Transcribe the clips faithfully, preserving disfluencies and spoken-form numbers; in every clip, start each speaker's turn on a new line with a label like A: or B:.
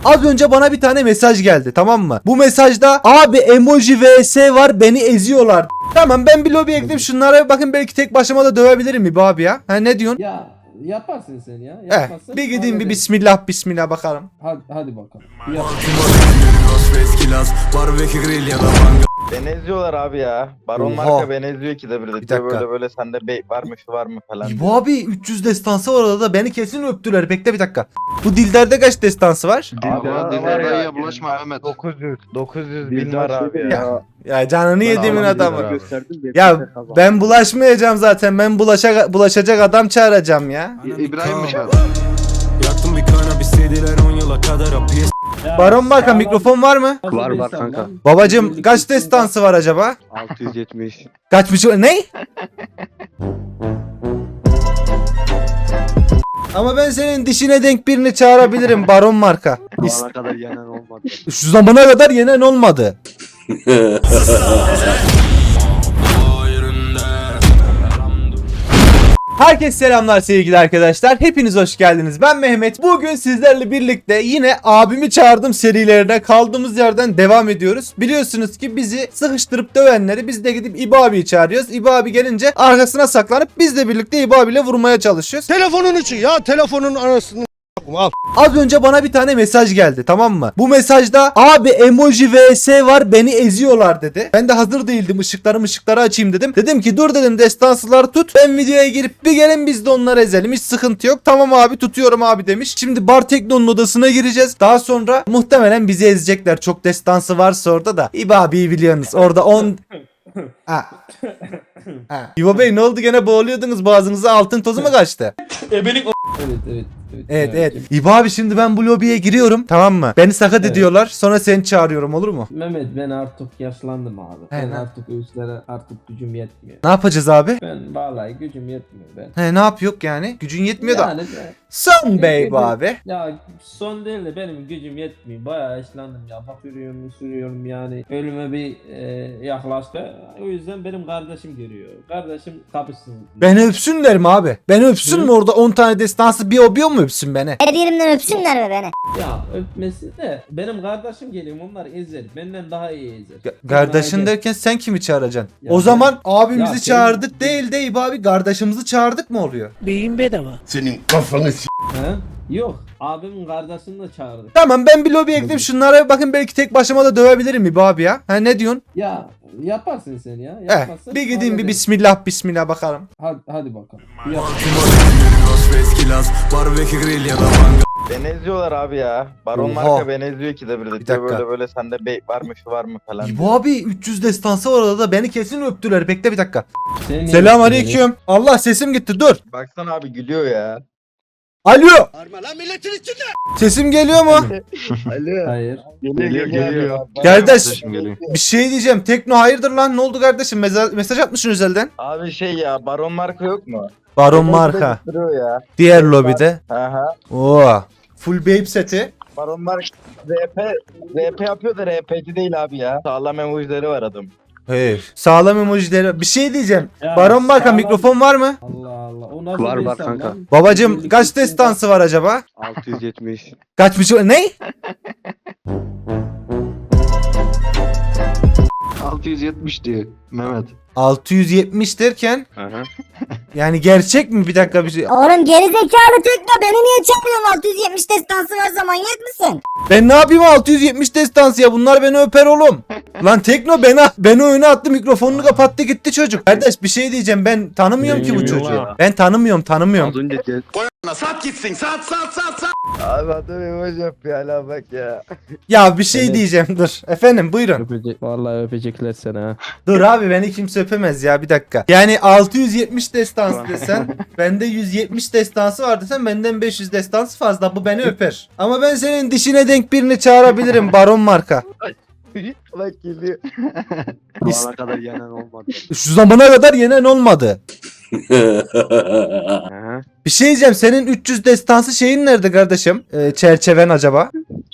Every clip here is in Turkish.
A: Az önce bana bir tane mesaj geldi, tamam mı? Bu mesajda abi emoji vs var, beni eziyorlar. Tamam, ben bir lobiye gidip şunlara bir bakın, belki tek başıma da dövebilirim mi bu abi ya? Ha, ne diyorsun?
B: Ya yaparsın sen ya.
A: Eh,
B: Yapmazsın.
A: bir gideyim bir
B: hallederiz.
A: bismillah bismillah bakalım.
B: Hadi, hadi bakalım. Yap.
C: Beni eziyorlar abi ya. Baron
A: Oha.
C: marka beni eziyor ki de bir de.
A: Bir dakika.
C: Böyle böyle sende bey var mı şu var mı falan.
A: Bu abi üç yüz destansı var orada, beni kesin öptüler. Bekle bir dakika. Bu Dilder'de kaç destansı var?
C: Abi
D: Dilber,
C: var
D: Dilber
C: ya,
D: dayıya bulaşma Mehmet.
C: dokuz yüz dokuz yüz bin
D: Dilber
C: var abi
D: şey
C: ya.
A: Ya canını yediğimin
D: Allah'ım
A: adamı.
D: Dilber'e gösterdim de
A: Ya
D: kimse kazanmadı.
A: ben bulaşmayacağım zaten. Ben bulaşa, bulaşacak adam çağıracağım ya.
D: İ- İbrahim mi çağırdı?
E: Yaktım bir kana bir C D'ler on yıla kadar hapis.
B: Ya,
A: Baron Marka
B: sağlam-
A: mikrofon var mı?
B: Nasıl
D: Var,
B: bir
D: var
B: insan
D: kanka.
B: lan?
A: Babacım kaç destansı var acaba?
D: altı yüz yetmiş.
A: Kaçmış? Ne? Ama ben senin dişine denk birini çağırabilirim Baron Marka.
D: Bu ana kadar yenen olmadı.
A: Şu zamana kadar yenen olmadı. Herkese selamlar sevgili arkadaşlar. Hepiniz hoş geldiniz. Ben Mehmet. Bugün sizlerle birlikte yine abimi çağırdım serilerine kaldığımız yerden devam ediyoruz. Biliyorsunuz ki bizi sıkıştırıp dövenleri biz de gidip İbo abiyi çağırıyoruz. İbo abi gelince arkasına saklanıp biz de birlikte İbo abiyle vurmaya çalışıyoruz.
F: Telefonun içi ya, telefonun arasını al.
A: Az önce bana bir tane mesaj geldi, tamam mı? Bu mesajda abi emoji vs var, beni eziyorlar dedi. Ben de hazır değildim, ışıkları ışıkları açayım dedim. Dedim ki dur dedim, destansıları tut. Ben videoya girip bir gelin biz de onları ezelim. Hiç sıkıntı yok. Tamam abi, tutuyorum abi demiş. Şimdi Bar Tekno'nun odasına gireceğiz. Daha sonra muhtemelen bizi ezecekler. Çok destansı varsa orada da. İbo abiyi biliyorsunuz. Orada on... Ha. Ha. İbo Bey ne oldu, gene boğuluyordunuz, boğazınıza altın tozu mu kaçtı?
B: Evet evet evet.
A: Evet evet. İbo abi şimdi ben bu lobiye giriyorum, tamam mı? Beni sakat
B: Evet.
A: ediyorlar, sonra seni çağırıyorum, olur mu?
B: Mehmet ben artık yaşlandım abi.
A: He,
B: Ben
A: ne?
B: artık üstlere artık gücüm yetmiyor.
A: Ne yapacağız abi?
B: Ben vallahi gücüm yetmiyor ben.
A: He, ne yapıyor yani? Gücün yetmiyor da.
B: Yani ben-
A: Son bey bu abi.
B: ya son değil de benim gücüm yetmiyor. Bayağı yaşlandım ya. Bak sürüyorum sürüyorum yani. Ölüme bir e, yaklaştı. O yüzden benim kardeşim geliyor. Kardeşim kapışsın.
A: Beni öpsünler mi abi? Beni öpsün
B: Hı?
A: mü orada on tane destansı bir obiyor mu öpsün beni?
G: Her yerimden öpsünler mi beni?
B: Ya öpmesi de benim kardeşim geliyor, onlar ezer. Benden daha iyi ezer.
A: Ga- Kardeşin
B: Onlar
A: derken sen kimi çağıracaksın?
B: Ya
A: O
B: ben-
A: zaman abimizi
B: Ya
A: çağırdık
B: ben-
A: değil de İbo abi kardeşimizi çağırdık mı oluyor?
F: Beyin bedava.
E: Senin kafanı
B: He? Yok. Abimin kardeşini de çağırdık.
A: Tamam, ben bir lobiye gidip şunlara bir bakın, belki tek başıma da dövebilirim mi bu abi ya? Ha, ne diyorsun?
B: Ya yaparsın sen ya.
A: Eh,
B: Yapmazsın.
A: bir gideyim bir
B: hallederiz.
A: bismillah bismillah bakalım.
B: Hadi, hadi bakalım. Yap.
C: Beni eziyorlar abi ya. Baron
A: Oha.
C: marka beni eziyor ki de bir de.
A: Bir dakika.
C: Böyle böyle sende bey var mı şu var mı falan.
A: İbo abi üç yüz destansı var orada, beni kesin öptüler. Bekle bir dakika.
B: Sen niye
A: Selam
B: yaptın
A: aleyküm. Allah, sesim gitti, dur.
C: Baksana abi gülüyor ya.
A: Alo.
F: Arma lan milletin içinde.
A: Sesim geliyor mu?
B: beni? Hayır.
D: Geliyor geliyor.
A: Kardeş,
D: Geliyor.
A: bir şey diyeceğim. Tekno hayırdır lan? Ne oldu kardeşim? Meza- mesaj atmışsın özelden.
C: Abi şey ya, baron marka yok mu?
A: Baron
C: Beni
A: marka.
C: sıkıştırıyor ya.
A: Diğer lobide.
C: Aha.
A: Oo. Full babe seti.
C: Baron marka R P R P yapıyor da R P'ci değil abi ya. Sağlam emojileri var adam.
A: Hey. Sağlam emojileri. Bir şey diyeceğim.
B: Ya,
A: Baron marka
B: sağlam-
A: mikrofon var mı?
B: Allah Allah. O nasıl
D: Var,
B: bir
D: var
B: insan
D: kanka.
B: lan?
A: Babacım
B: Birlikte
A: kaç
B: içinde-
A: destansı var acaba?
D: altı yüz yetmiş.
A: Kaçmış? Ne?
D: altı yüz yetmiş diyor Mehmet.
A: altı yüz yetmiş derken
D: Aha.
A: yani gerçek mi? Bir dakika bir şey.
G: Oğlum gerizekalı Tekno, beni niye çağırıyorsun? altı yüz yetmiş destansı varsa manyak mısın?
A: Ben ne yapayım altı yüz yetmiş destansı ya? Bunlar beni öper oğlum. Lan Tekno beni, beni oyuna attı, mikrofonunu kapattı gitti çocuk. Kardeş bir şey diyeceğim, ben tanımıyorum ki bu
D: Bilmiyorum
A: çocuğu.
D: ya.
A: Ben tanımıyorum tanımıyorum.
D: Az önce gel-
E: Sat gitsin sat sat sat sat.
C: Abi adam emoji yapıyor hala bak ya.
A: Ya bir şey
B: Evet.
A: diyeceğim, dur. Efendim buyurun.
B: Öpecek, vallahi öpecekler seni ha.
A: Dur abi, beni kimse öpemez ya, bir dakika. Yani altı yüz yetmiş destansı desen, bende yüz yetmiş destansı var desen, benden beş yüz destansı fazla, bu beni öper. Ama ben senin dişine denk birini çağırabilirim Baron marka.
C: Bak geliyor.
D: Bu ana kadar yenen olmadı.
A: Şu zamana kadar yenen olmadı.
D: Aha.
A: Bir şey diyeceğim, senin üç yüz destansı şeyin nerede kardeşim? Ee, çerçeven acaba?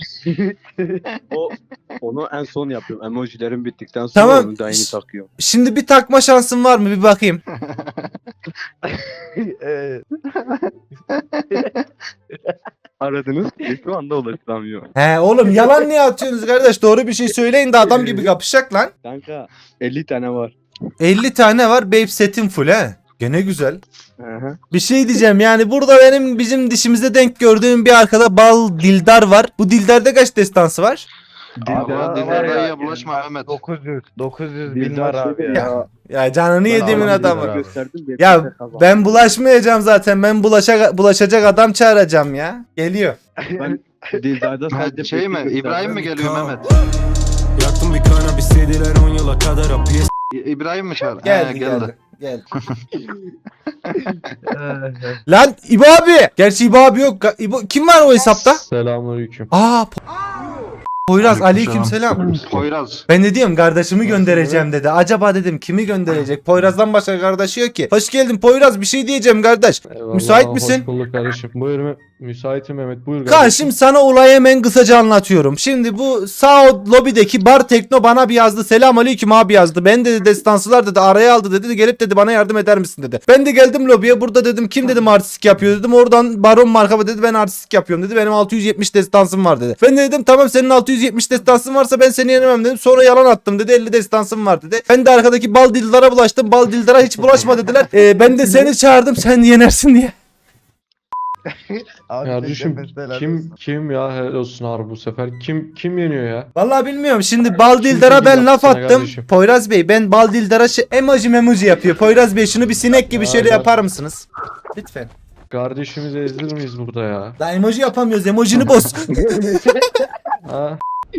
D: O onu en son yapıyorum. Emojilerim bittikten sonra
A: Tamam.
D: onu da yeni takıyorum.
A: Şimdi bir takma şansın var mı, bir bakayım.
C: Evet.
D: aradınız ki şu anda ulaşılamıyor.
A: He oğlum yalan niye atıyorsunuz kardeş? Doğru bir şey söyleyin de adam gibi kapışacak lan.
D: Kanka elli tane var.
A: elli tane var babe setim full he. Gene güzel.
D: Hı hı.
A: Bir şey diyeceğim yani burada benim bizim dişimize denk gördüğüm bir arkada bal dildar var. Bu dildarda kaç destansı var?
C: Dildar
H: Dildar
C: var ya,
H: dayıya bulaşma Mehmet.
C: dokuz yüz dokuz yüz bin
D: Dildar
C: var abi
D: şeyde
C: ya.
A: Ya canını yediğimin
D: Allah
A: adamı.
D: bilir, gösterdim,
A: Ya
D: yeter, kazandım.
A: ben bulaşmayacağım zaten. Ben bulaşa, bulaşacak adam çağıracağım ya. Geliyor.
D: Ben Dildar'da sadece
H: Mehmet şey mi?
D: peki
H: İbrahim mi
D: gösterdim.
H: geliyor Mehmet?
E: Yaktım bir kanabis dediler on yıla kadar hapis.
H: İ- İbrahim mi çağır?
A: Geldi
H: He,
A: geldi. Geldi. Lan İbo abi. Gerçi İbo abi yok. Ga- İbo, kim var o hesapta?
I: Selamünaleyküm.
A: Aa Po- Poyraz aleyküm selam.
H: Poyraz.
A: Ben de diyorum kardeşimi göndereceğim dedi. Acaba dedim kimi gönderecek? Poyraz'dan başka kardeşi yok ki. Hoş geldin Poyraz, bir şey diyeceğim kardeş.
I: Eyvallah,
A: Müsait misin?
I: Hoş bulduk kardeşim. Buyur Mehmet. Müsaitim Mehmet. Buyur
A: Kaan şimdi sana olayı hemen kısaca anlatıyorum. Şimdi bu sağ lobideki bar tekno bana bir yazdı. Selam aleyküm abi yazdı. Ben dedi destansılar dedi araya aldı dedi. Gelip dedi bana yardım eder misin dedi. Ben de geldim lobiye, burada dedim kim dedim artistik yapıyor dedim. Oradan Baron marka dedi ben artistik yapıyorum dedi. Benim altı yüz yetmiş destansım var dedi. Ben de dedim tamam senin altı yüz yetmiş destansın varsa ben seni yenemem dedim. Sonra yalan attım dedi, elli destansım var dedi. Ben de arkadaki bal dillara bulaştım. Bal dildara hiç bulaşma dediler. Ee, ben de seni çağırdım sen yenersin diye.
C: Abi
I: Kardeşim
C: mesela
I: kim kim ya helal olsun harbi bu sefer. Kim kim yeniyor ya?
A: Vallahi bilmiyorum. Şimdi Bal Dildar'a ben
I: Kim
A: laf
I: yaptı sana
A: attım.
I: kardeşim?
A: Poyraz Bey ben Bal Dildar'a şey, emoji memuji yapıyor. Poyraz Bey şunu bir sinek gibi
I: Ya
A: şöyle
I: ben-
A: yapar mısınız? Lütfen.
I: Kardeşimizi ezdir miyiz burada ya?
A: Daha emoji yapamıyoruz. Emojini boz.
I: Ha?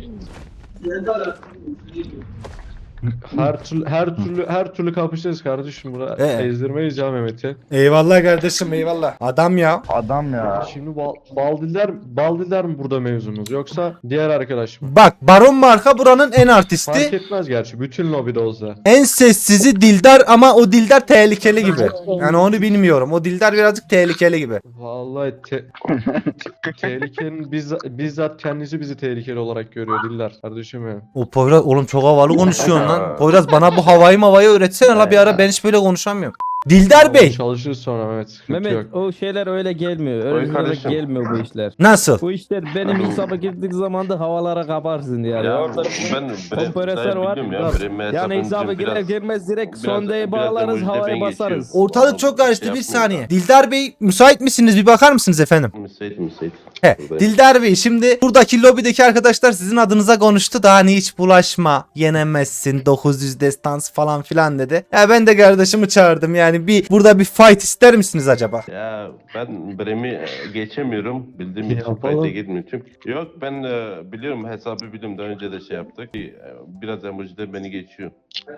I: Her türlü her türlü her türlü kapışacağız kardeşim burada.
A: Ee?
I: Ezdirmeyiz ya Mehmet'i.
A: Eyvallah kardeşim eyvallah. Adam ya.
C: adam ya.
I: Şimdi bal, Baldiller Baldiller mi burada mevzumuz yoksa diğer arkadaş mı?
A: Bak Baron marka buranın en
I: Fark
A: artisti.
I: etmez gerçi bütün lobide olsa.
A: En sessizi Dildar ama o Dildar tehlikeli gibi. Yani onu bilmiyorum. O Dildar birazcık tehlikeli gibi.
I: Vallahi te- tehlikenin bizzat, bizzat kendisi bizi tehlikeli olarak görüyor Diller kardeşim ya.
A: O Poyraz oğlum çok havalı konuşuyorsun lan. Poyraz bana bu havayı mavayı öğretsene la bir ara, ben hiç böyle konuşamıyorum. Dildar Bey.
I: Çalışırız sonra Mehmet. Sıkıntı
B: Mehmet
I: yok.
B: o şeyler öyle gelmiyor. Öyle
H: kardeşim.
B: gelmiyor bu işler.
A: Nasıl?
B: Bu işler benim hesaba girdiği zaman da havalara kaparsın yani.
J: Ya
B: Orada
J: ben
B: kompresör var.
J: ya, benim
B: Yani
J: hesabım
B: hesaba
J: için
B: girer
J: biraz-
B: girmez direkt
J: biraz-
B: sondaya
J: biraz
B: bağlarız,
J: emoji de
B: havaya
J: ben
B: basarız.
J: geçiyorum.
A: Ortalık çok karıştı,
J: Şey
A: bir
J: yapmıyor
A: saniye.
J: da.
A: Dildar Bey müsait misiniz? Bir bakar mısınız efendim?
J: Müsait müsait.
A: He,
J: Buradayım.
A: Dildar Bey şimdi buradaki lobideki arkadaşlar sizin adınıza konuştu da hani hiç bulaşma, yenemezsin, dokuz yüz destans falan filan dedi. Ya ben de kardeşimi çağırdım yani bir burada bir fight ister misiniz acaba?
J: Ya ben Brem'i geçemiyorum. Bildiğim için
I: Yapalım.
J: fayda gitmiyor. Çünkü yok ben e, biliyorum, hesabı biliyorum, daha önce de şey yaptık. E, Biraz emoji de beni geçiyor.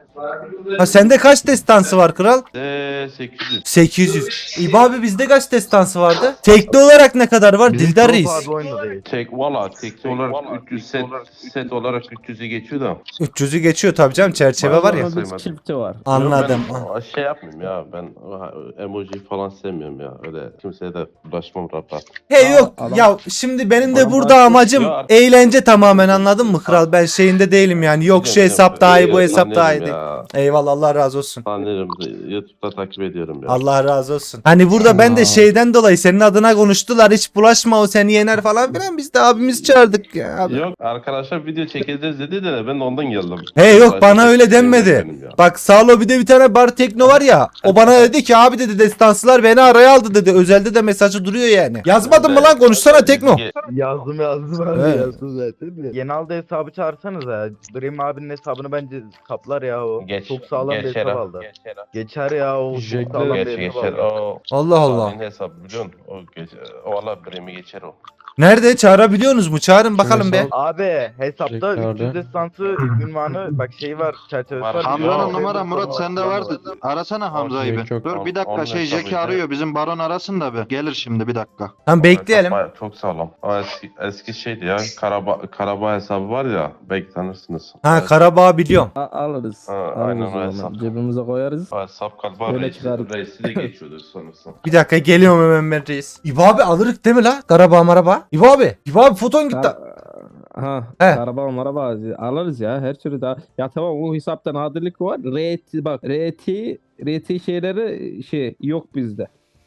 A: Ha sende kaç destansı var kral?
J: De sekiz yüz.
A: sekiz yüz. İbo abi bizde kaç destansı vardı? Tekli olarak ne kadar var?
C: Bizim
A: Dildar
C: çok
A: Reis.
C: abi oyunda değil.
J: Tek valla tekli olarak üç yüz set, set olarak üç yüzü geçiyor da.
A: üç yüzü geçiyor tabii canım, çerçeve var ya.
B: Ama biz çiftçi var.
A: Anladım.
J: Yok, ben şey yapmıyorum ya, ben emoji falan sevmiyorum ya. Öyle kimseye de bulaşmam rahat rahat.
A: He yok
B: Adam-
A: ya şimdi benim de
B: Adam
A: burada
B: artık-
A: amacım
J: Ya artık-
A: eğlence tamamen, anladın mı kral? Ben şeyinde değilim yani, yok şu hesap daha iyi bu hesap daha iyi değil.
J: Ya.
A: Eyvallah Allah razı olsun.
J: Tanıyorum. YouTube'da takip ediyorum ya.
A: Allah razı olsun. Hani burada ben de şeyden dolayı senin adına konuştular, hiç bulaşma o seni yener falan filan, biz de abimiz çağırdık ya. Abi.
J: Yok arkadaşlar video çekeceğiz dedi de ben de ondan geldim.
A: He yok bana
J: Başka
A: öyle
J: bir şey yok
A: denmedi.
J: benim ya.
A: Bak sağ lobide bir tane bar tekno var ya, o bana dedi ki abi dedi destansılar beni araya aldı dedi, özelde de mesajı duruyor yani. Yazmadın mı lan, konuşsana tekno.
C: Yazdım yazdım abi
A: Evet.
C: yazdım zaten de. Genelde hesabı çağırsanız ya. Dream abinin hesabını bence kaplar ya o.
J: Geç,
C: çok sağlam bir
J: geçer
C: hesap
J: ha,
C: aldı.
J: Geçer ha.
C: Geçer ya o.
I: Jack'le-
C: Çok sağlam bir
J: Geçer
C: hesap
J: geçer.
C: aldı.
J: O
A: Allah Allah.
J: Senin hesabı biliyorsun. O geçer. O valla birimi geçer o.
A: Nerede, çağırabiliyorsunuz mu? Çağırın bakalım be.
I: hesap-
C: Abi hesapta
I: Jack'lerde.
C: üç yüz destansı ünvanı bak şey var, çerçevesi
J: Var.
C: var.
H: Hamza'nın
J: Yok.
H: numara Murat sende vardı. Arasana Hamza'yı bir.
I: Yok, yok.
H: Dur bir dakika
J: Onun
H: şey
J: hesabı
H: Jack'i
J: ya.
H: arıyor. Bizim baron arasın da bir. Gelir şimdi bir dakika.
A: Tamam bekleyelim.
J: Baya- Çok sağlam. O eski, eski şeydi ya. Karaba, Karabağ hesabı var ya. Belki tanırsınız.
A: Ha Karabağ biliyorum.
B: A- alırız.
J: Ha,
B: alırız
J: aynen
B: o
J: öyle.
B: zaman. Cebimize koyarız.
J: O hesap Karabağ
B: Öyle
J: reisi,
B: çıkardık.
J: reisi de geçiyordu sonrasında.
A: Bir dakika geliyorum hemen ben reis. İbo abi alırık değil mi la? Karabağ maraba. İbo abi. İbo abi foton gitti.
B: Kar- ha,
A: He.
B: Karabağ maraba alırız ya her türlü daha. Ya tamam o hesapta nadirlik var. R T bak R T R T şeyleri şey yok bizde.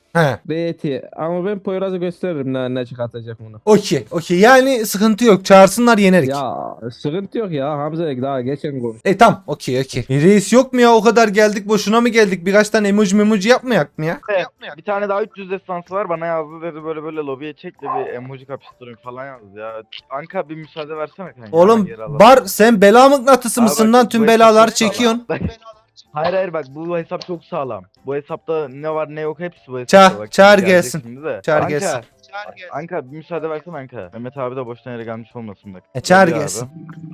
A: He.
B: D T. Ama ben Poyraz'ı gösteririm ne, ne çıkartacak bunu.
A: Okey. Okey. Yani sıkıntı yok. Çağırsınlar yenerik.
B: Ya sıkıntı yok ya. Hamza daha geçen konuş.
A: E tamam. Okey okey. E, reis yok mu ya? O kadar geldik. Boşuna mı geldik? Birkaç tane emoji memoji yapmayak mı ya?
C: Bir tane daha üç yüz destansı var bana yazdı dedi böyle böyle lobiye çek de bir emoji kapıştırayım falan yazdı ya. Anka bir müsaade versene kanka.
A: Oğlum
C: Geri alalım.
A: Bar sen bela mıknatısı
C: Abi
A: mısın
C: bak,
A: lan?
C: bu
A: Tüm
C: hesap
A: belaları
C: çok sağlam.
A: çekiyorsun.
C: Hayır hayır bak bu hesap çok sağlam. Bu hesapta ne var ne yok hepsi bu hesapta.
A: Çağır-
C: Bak,
A: çağır
C: gelecek
A: gelsin.
C: şimdi de.
A: Çağır
C: Anka,
A: gelsin.
C: Anka bir müsaade versene Anka. Mehmet abi de boşuna yere gelmiş olmasın bak.
A: E, çağır
C: Hadi abi.
A: gelsin.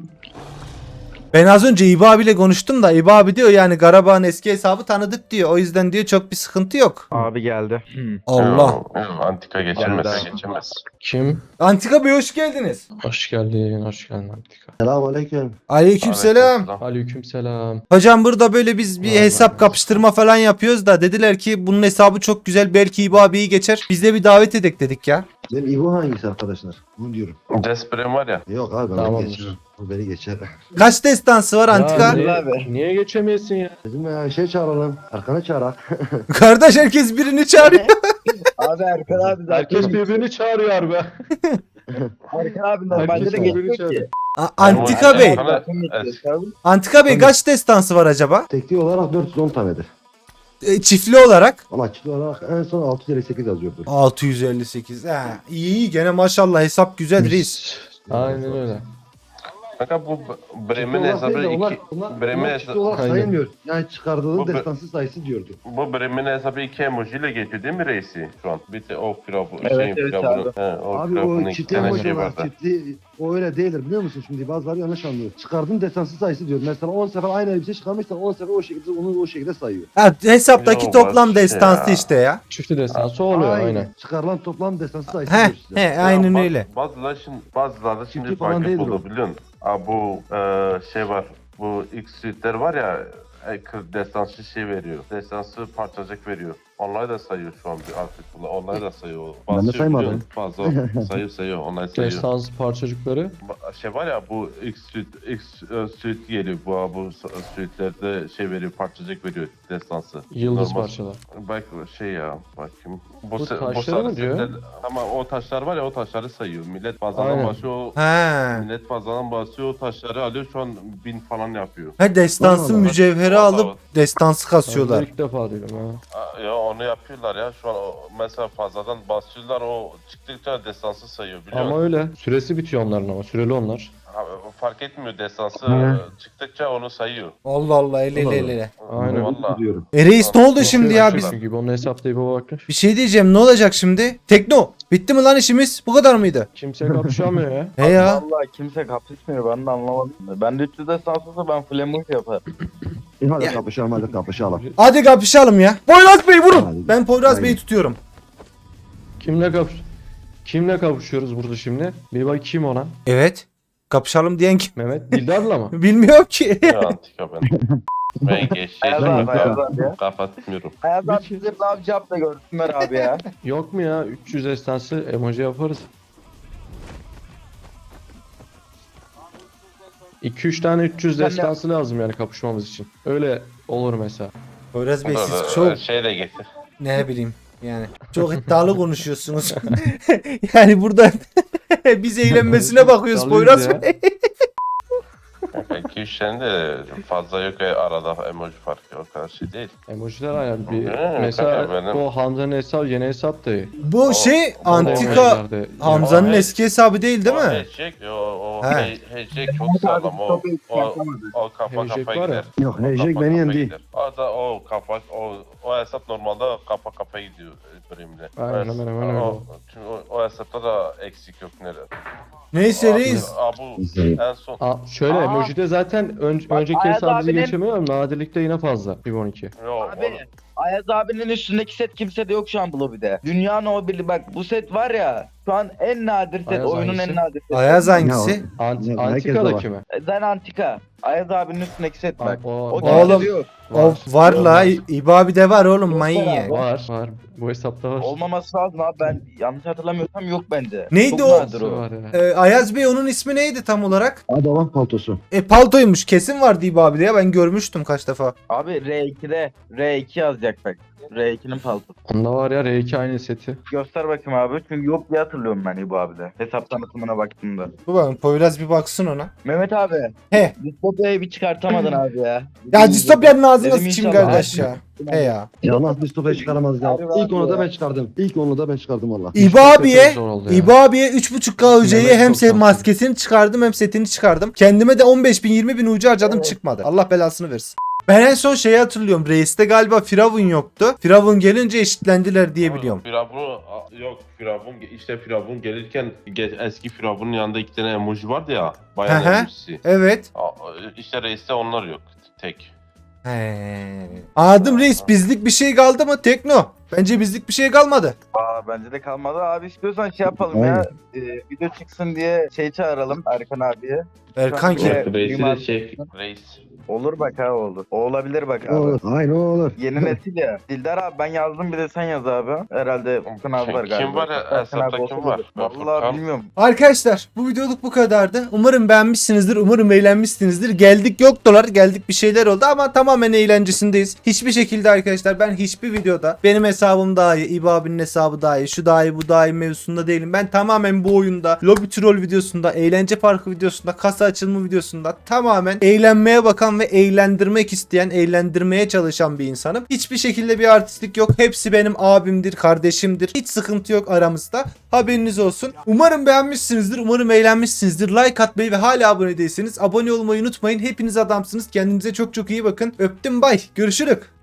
A: Ben az önce İbo abiyle konuştum da İbo abi diyor yani Karabağ'ın eski hesabı tanıdık diyor. O yüzden diyor çok bir sıkıntı yok.
C: Abi geldi.
A: Allah.
J: Antika geçemez. Geçemez.
I: Kim?
A: Antika Bey hoş geldiniz.
I: Hoş geldin, hoş geldin Antika.
F: Selamünaleyküm.
A: Aleykümselam.
I: Aleykümselam.
A: Hocam burada böyle biz bir
I: Vallahi
A: hesap
I: evet.
A: kapıştırma falan yapıyoruz da dediler ki bunun hesabı çok güzel belki İbo abiyi geçer. Biz de bir davet edek dedik ya.
F: Benim İbo hangisi arkadaşlar? Bunu diyorum.
J: Desprem var ya.
F: Yok abi ben
I: Tamam.
F: beni geçer. O beni geçer.
A: Kaç destansı var Antika?
I: Ya, niye,
C: Abi.
I: niye geçemiyorsun ya?
F: Dedim ya şey çağıralım. Arkana çağırak.
A: Kardeş herkes birini çağırıyor.
C: Abi Erkan abi
I: Herkes birbirini çağırıyor be.
C: Erkan abi
I: Herkes birbirini çağırıyor.
A: A- Antika Bey.
J: Bana-
A: Antika Bey kaç destansı var acaba?
F: Tekli olarak dört yüz on tanedir.
A: E, çiftli olarak?
F: Ama çiftli olarak en son altı yüz elli sekiz yazıyordu.
A: altı yüz elli sekiz. Ha, iyi iyi gene maşallah hesap güzel reis.
I: Aynen öyle.
J: Kanka bu Bremen
F: Çiftli olarak
J: hesabı
F: değil de onlar,
J: iki
F: onlar,
J: Bremen
F: onlar çiftli
J: hesabı
F: olarak
I: Aynen.
F: sayılmıyor. Yani çıkardığı
J: Bu-
F: destansı sayısı diyordu.
J: bu Bremen hesabı iki emoji ile geçiyor değil mi reisi şu an? Bir de o firavun
C: Evet,
J: şeyin
C: evet
J: firavunu.
C: abi.
J: He, o
F: Abi
J: firavunun
F: o
J: iki
F: çiftli
J: tane
F: emoji
J: şey
F: var.
J: vardı.
F: Çiftli o öyle değildir biliyor musun? Şimdi bazıları yanlış anlıyor. Çıkardığın destansı sayısı diyor. Mesela on sefer aynı elbise çıkarmışsan on sefer o şekilde onu o şekilde sayıyor.
A: Ha, hesaptaki
J: Yo,
A: toplam
J: baş-
A: destansı
J: ya.
A: işte ya.
I: Çiftli destansı oluyor aynen.
F: Çıkarılan toplam destansı sayısı
A: He
F: diyor size.
A: he aynen
J: Ya,
A: öyle.
J: baz- Bazıları şimdi bazıları şimdi
F: Çiftli falan
J: fark
F: değildir
J: buldu
F: o.
J: biliyorsun. Aa, bu e, şey var. Bu X suitler var ya e, kır- destansı şey veriyor. Destansı parçacık veriyor. Onları da sayıyor şu an bir artık. Onları da sayıyor.
F: Ben de
J: Basıyor
F: saymadım.
J: biliyorsun. Fazla sayıyor sayıyor. Onları sayıyor.
I: Destans parçacıkları.
J: Ba- Şey var ya bu X suit X e, suit geliyor. Bu bu suitlerde şey veriyor. Parçacık veriyor destansı.
I: Yıldız
J: Normal-
I: parçalar.
J: Bak şey ya bakayım. Bu,
I: Bu
J: se-
I: taşları
J: sarı
I: mı diyor?
J: setler- Ama o taşlar var ya o taşları sayıyor. Millet fazladan
I: Aynen.
J: basıyor. o-
A: He.
J: Millet fazladan basıyor o taşları alıyor şu an bin falan yapıyor.
A: Ha destansı
F: Allah Allah.
A: mücevheri
J: Vallahi
A: alıp destansı
I: Ben
A: kasıyorlar.
I: de ilk defa duydum ha.
J: Aa, Ya onu yapıyorlar ya şu an o, mesela fazladan basıyorlar o çıktıkça destansı sayıyor biliyor
I: Ama
J: musun?
I: öyle. Süresi bitiyor onların ama. Süreli onlar.
J: Ha, fark etmiyor destansı
F: Hı.
J: çıktıkça onu sayıyor.
A: Allah Allah ele ele
F: Allah
A: ele, ele.
I: Aynen.
J: Vallahi.
F: Diyorum.
A: E reis ne oldu şimdi ya biz?
I: Gibi onun hesaplayıp o bakmış.
A: Bir şey diyeceğim ne olacak şimdi? Tekno bitti mi lan işimiz? Bu kadar mıydı?
I: Kimse kapışamıyor ya.
A: He ya.
C: Vallahi kimse kapışmıyor ben de anlamadım. Ben de üç yüz destansı olsa ben flamuş yaparım.
F: E hadi kapışalım hadi kapışalım.
A: Hadi kapışalım ya. Poyraz Bey vurun.
F: Hadi.
A: Ben Poyraz
F: Aynen.
A: Bey'i tutuyorum.
I: Kimle kapış Kimle kapışıyoruz burada şimdi? Bir bak kim ona?
A: Evet. Kapışalım diyen kim?
I: Mehmet Dildar'la mı?
A: Bilmiyorum ki.
J: Ya antika ben. Ben geç şey
C: Ayaz abi Ayaz abi ya.
J: kafa tutmuyorum.
C: Ayaz abi bize ne yapacağım da görsünler abi ya.
I: Yok mu ya? üç yüz estansı emoji yaparız. iki üç tane üç yüz
C: Sen ne-
I: destansı lazım yani kapışmamız için. Öyle olur mesela.
A: Poyraz Bey
J: Dur,
A: siz
J: dur,
A: çok
J: Şey de getir.
A: ne bileyim yani çok iddialı konuşuyorsunuz. Yani burada biz eğlenmesine bakıyoruz
I: İddialıyız
A: Poyraz
I: ya.
A: Bey.
J: iki üç tane de fazla yok ya arada emoji farkı o kadar şey değil.
I: Emojiler aynen bir
J: He,
I: mesela
J: kanka benim-
I: o Hamza'nın hesabı yeni hesap da iyi.
A: Bu
J: O-
A: şey
J: o
A: Antika
I: Emojilerde-
A: Hamza'nın
J: O-
A: eski hesabı değil değil
J: O
A: mi?
J: Hecek, o, o
A: He.
J: he. Hecek çok sağlam. O, o, o kafa
I: Hecek
J: kafa
I: var ya.
J: gider.
F: Yok
J: O
F: Hecek
J: kafa
F: beni
J: kafa
F: yendi.
J: gider. O da o kafa o o hesap normalde kafa kafa gidiyor bölümle.
I: Aynen, hemen hemen öyle.
J: O, çünkü o, o hesapta da eksik yok nerede.
A: Neyse reis.
J: Aa, bu
F: İzleyin.
J: en son
I: Aa, şöyle
C: Aa.
I: emojide zaten ön,
C: Bak,
I: önceki
C: Ayaz
I: hesabımızı
C: abinin-
I: geçemiyor ama nadirlikte yine fazla. bir on iki.
J: yo,
C: Abi Ayaz abinin üstündeki set kimsede yok şu an bu lobide. Dünyanın o biri bak bu set var ya şu an en nadir set
I: Ayaz
C: oyunun
I: hangisi?
C: en nadir seti.
A: Ayaz hangisi?
I: Ant
F: Ya, herkes de
I: Antika'daki
F: var.
I: mi?
C: Zen Antika. Ayaz abinin üstündeki set bak.
I: O,
C: O
A: Oğlum.
C: kimsede yok.
A: O var la İbo abi de var oğlum manyak.
I: Var var. Bu hesapta var.
C: Olmaması lazım abi ben yanlış hatırlamıyorsam yok bence.
A: Neydi
C: Çok
A: o?
C: nadir o.
I: Var ya.
A: Ee, Ayaz Bey onun ismi neydi tam olarak?
F: Adavan paltosu.
A: E paltoymuş kesin vardı İbo abi de ya ben görmüştüm kaç defa.
C: Abi R iki'de R iki yazacak bak. R ikinin paltosu.
I: Onda var ya R iki aynı seti.
C: Göster bakayım abi. Çünkü yok diye hatırlıyorum ben İbo abide. Hesap tanıtımına baktığımda.
A: Bu bakın Poyraz bir baksın ona.
C: Mehmet abi.
A: He.
C: Distopya'yı bir çıkartamadın abi ya.
A: Ya distopyanın ağzına
C: Dedim
A: sıçayım
C: inşallah.
A: kardeş ya. He ya.
F: Ya nasıl distopya çıkaramaz ya.
C: Abi,
F: İlk onu da
C: abi.
F: ben çıkardım. İlk onu da ben çıkardım valla.
A: İbo abiye
I: Çok zor oldu ya.
A: İbo abiye üç buçuk K ücreyi
I: Mehmet
A: hem
I: çok
A: se-
I: şanslı.
A: maskesini çıkardım hem setini çıkardım. Kendime de on beş bin yirmi bin ucu harcadım çıkmadı. Allah belasını versin. Ben en son şeyi hatırlıyorum. Reis'te galiba Firavun yoktu. Firavun gelince eşitlendiler diye biliyorum.
J: Firavun yok Firavun işte Firavun gelirken ge- eski Firavun'un yanında iki tane emoji vardı ya. Bayağı
A: Hı hı.
J: emojisi.
A: Evet.
J: Aa, İşte reiste onlar yok. Tek.
A: He. Anladım reis, bizlik bir şey kaldı mı? Tekno. Bence bizlik bir şey kalmadı.
C: Aa bence de kalmadı. Abi istiyorsan şey yapalım
F: Aynen.
C: ya. E, video çıksın diye şey çağıralım Erkan abiye.
A: Erkan
C: Şu an
A: kim?
C: bir-
B: Reisi de şey.
J: Reis.
C: Olur bak ha olur. O olabilir bak
F: O
C: abi.
F: olur. Aynen o olur.
C: Yeni nesil ya. Dildar abi ben yazdım bir de sen yaz abi. Herhalde Furkan abi var galiba.
J: Kim var ya?
C: Furkan
J: Hesapta
C: abi
J: kim
C: olsa
J: var?
C: olur.
J: Ben
C: Vallahi
J: Furkan.
C: bilmiyorum.
A: Arkadaşlar bu videoluk bu kadardı. Umarım beğenmişsinizdir. Umarım eğlenmişsinizdir. Geldik yoktular. Geldik bir şeyler oldu ama tamamen eğlencesindeyiz. Hiçbir şekilde arkadaşlar ben hiçbir videoda benim hesabım daha iyi, İbo abinin hesabı daha iyi, şu daha iyi, bu daha iyi mevzusunda değilim. Ben tamamen bu oyunda lobby troll videosunda, eğlence parkı videosunda, kasa açılımı videosunda tamamen eğlenmeye bakan ve eğlendirmek isteyen, eğlendirmeye çalışan bir insanım. Hiçbir şekilde bir artistlik yok. Hepsi benim abimdir, kardeşimdir. Hiç sıkıntı yok aramızda. Haberiniz olsun. Umarım beğenmişsinizdir. Umarım eğlenmişsinizdir. Like atmayı ve hala abone değilseniz abone olmayı unutmayın. Hepiniz adamsınız. Kendinize çok çok iyi bakın. Öptüm, bay. Görüşürük.